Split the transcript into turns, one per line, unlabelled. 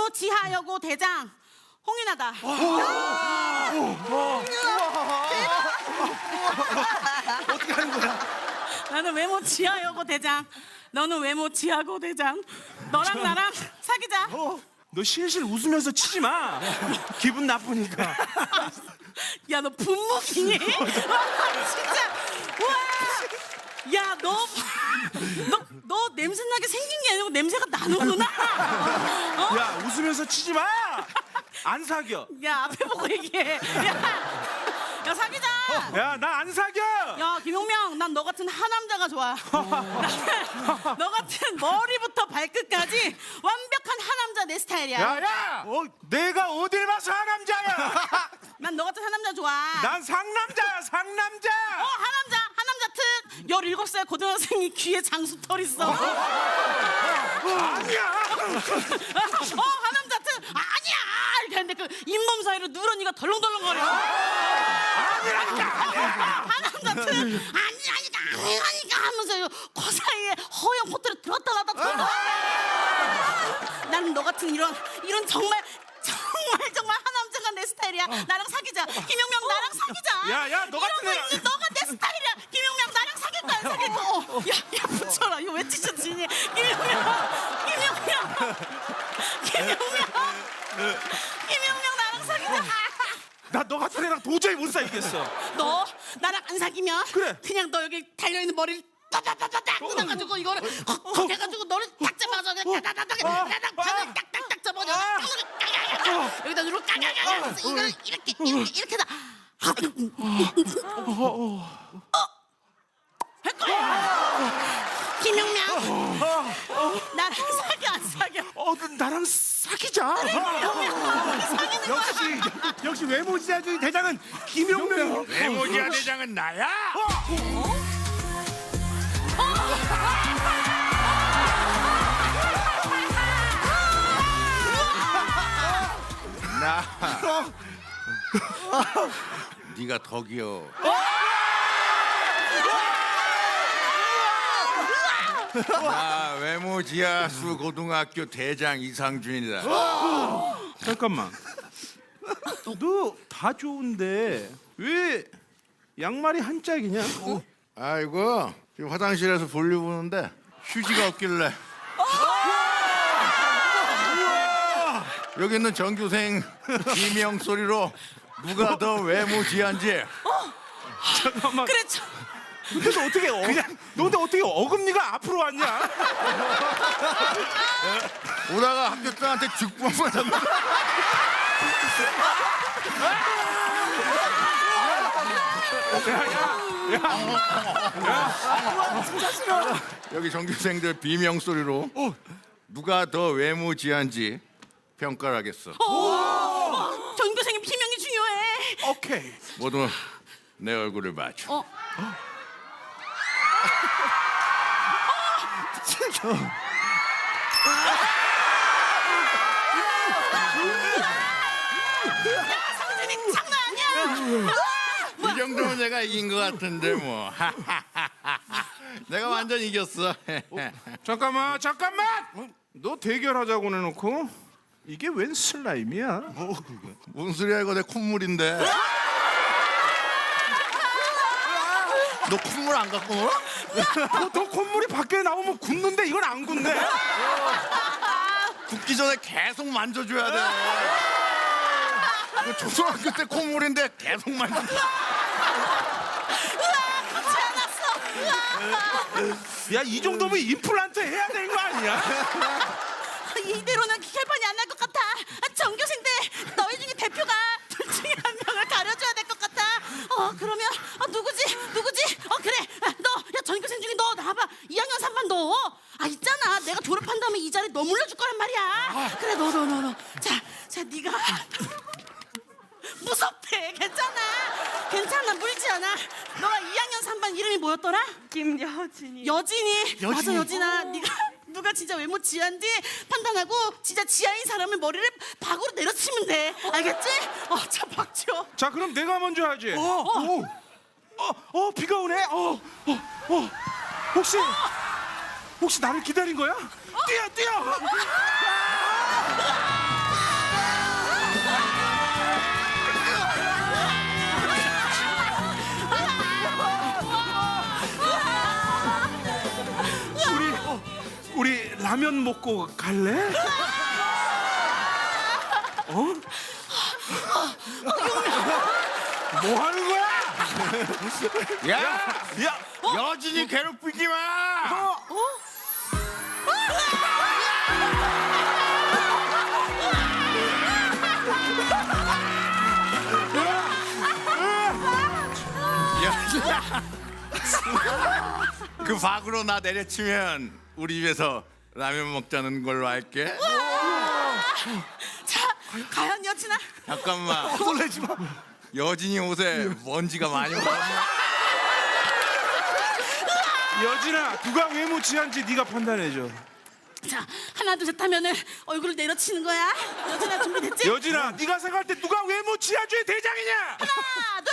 지하여고 대장 홍윤아다.
어떻게 하는 거야?
나는 외모 지하여고 대장. 너는 외모 지하고 대장. 너랑 나랑 사귀자.
너 실실 웃으면서 치지 마. 기분 나쁘니까.
야, 너 분무기니? 진짜. 와. 야, 너 냄새나게 생긴 게 아니고 냄새가 나는구나. 어?
야, 웃으면서 치지 마. 안 사겨.
야, 앞에 보고 얘기해. 야, 사귀자.
야, 나 안 사겨.
야, 김용명, 난 너 같은 하남자가 좋아. 너 같은 머리부터 발끝까지 완벽한 하남자 내 스타일이야.
야, 내가 어딜 봐서 하남자야?
난 너 같은 하남자 좋아.
난 상남자야, 상남자.
하남자 특. 17살 고등학생이 귀에 장수털 있어.
아니야.
하남자 특. 아니야. 이렇게 하는데 그 잇몸 사이로 누런이가 덜렁덜렁거려. 하남자 특. 아니라니까 하면서 코 사이에 허영 코트를 들었다 놨다 들었다. 나는 너 같은 이런 정말 하남자가 내 스타일이야. 나랑 사귀자. 김용명, 나랑 사귀자.
야, 너 같은
이런 거
애가-
있는 너가 내 스타일이야. 김용명, 나랑 사귈 거야, 사귈 거. 야, 붙여라. 이거 왜 찢어지니? 김용명, 나랑 사귀자.
나 너 같은 애랑 도저히 못 사귀겠어.
너 나랑 안 사귀면
그래.
그냥 너 여기 달려있는 머리를 따다다다닥 뜯어가지고 이거를 헉 해가지고 너를 딱 잡아서 그냥 따다다닥 바늘 딱딱딱 잡아줘. 여기다 누르고 까까까 이걸 이렇게 다 할 거야. 김용명, 나랑 사귀어 안 사귀어?
너 나랑 사귀자. 역시 외모지자주의 대장은 김용명.
외모지아 대장은 나야. 나. 네가 더 귀여워. 나 외모지아수 고등학교 대장 이상준이다.
잠깐만. 너 다 좋은데 왜 양말이 한 짝이냐?
아이고 지금 화장실에서 볼일 보는데 휴지가 없길래. 여기 있는 전교생 비명 소리로 누가 더 외모지한지.
잠깐만.
그래,
근데 너 어떻게 너 근데 어떻게 어금니가 앞으로 왔냐?
오다가 학교 딸한테 죽부 한번 잡는. 여기 전교생들 비명 소리로 누가 더 외모지한지 평가를 하겠어.
전교생의 비명이 중요해.
오케이.
모두 내 얼굴을 봐줘.
상준이 장난 아니야.
이 정도면 내가 이긴 것 같은데 뭐. 내가 완전 이겼어.
잠깐만. 너 대결하자고 내놓고 이게 웬 슬라임이야?
무슨 소리야 이거 내 콧물인데. 너 콧물 안 갖고 놀아?
너 콧물이 밖에 나오면 굳는데 이건 안 굳네.
굽기 전에 계속 만져줘야 돼. 이거 초등학교 때 콧물인데 계속 만져.
야, 이 정도면 임플란트 해야 되는 거 아니야?
이대로는 혈반이 안 날 것 같아. 전교생들 너희 중에 대표가 둘 중에 한 명을 가려줘야 될 것 같아. 그러면 누구지? 그래. 야, 전교생 중에 너 나와봐. 2학년 3반 너. 있잖아. 내가 졸업한 다음에 이 자리 너 물려줄 거란 말이야. 그래, 너. 자, 네가 무섭대. 괜찮아. 물지 않아. 너가 2학년 3반 이름이 뭐였더라?
김여진이.
여진이. 맞아, 여진아. 누가 진짜 외모 지한지 판단하고 진짜 지하인 사람을 머리를 박으로 내려치면 돼. 알겠지? 자, 박죠.
자, 그럼 내가 먼저 하지. 비가 오네. 혹시 나를 기다린 거야? 뛰어. 라면 먹고 갈래? 어? 뭐 하는 거야?
야,
야,
여진이 괴롭히지 마. 여진아, 그 밖으로 나 내려치면 우리 집에서 라면 먹자는 걸로 할게.
자, 과연 여친아.
잠깐만.
놀래지 마.
여진이 옷에 먼지가 많이 묻었나?
여진아, 누가 외모 취한지 네가 판단해줘.
자, 하나 둘 셋 하면은 얼굴을 내려치는 거야. 여친아 준비됐지?
여진아, 네가 생각할 때 누가 외모 취한 중에 대장이냐?
하나